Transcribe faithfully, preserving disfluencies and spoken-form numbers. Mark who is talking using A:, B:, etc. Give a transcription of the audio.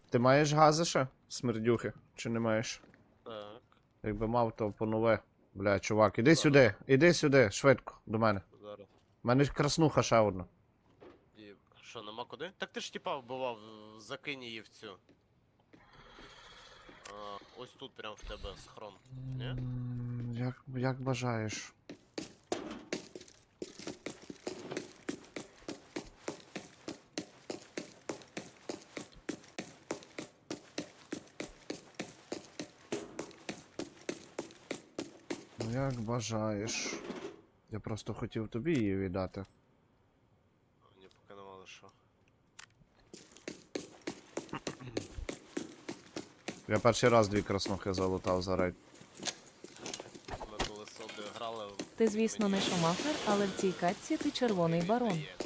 A: Ти маєш гази ще? Смердюхи? Чи не маєш?
B: Так.
A: Якби мав, то по нове. Бля, чувак, іди
B: Зараз.
A: сюди, іди сюди, швидко, до мене.
B: Зараз.
A: У мене краснуха ще одна.
B: І... Що, нема куди? Так ти ж типа вбивав, закинь її в цю. А, ось тут прям в тебе схрон. Ні?
A: М, Як, як бажаєш. Ну, як бажаєш. Я просто хотів тобі її віддати.
B: Мені поки нема лише.
A: Я перший раз дві краснухи залутав за рейд.
B: Ми коли собі грали.
C: Ти, звісно, не шумахер, але в цій катці ти червоний барон.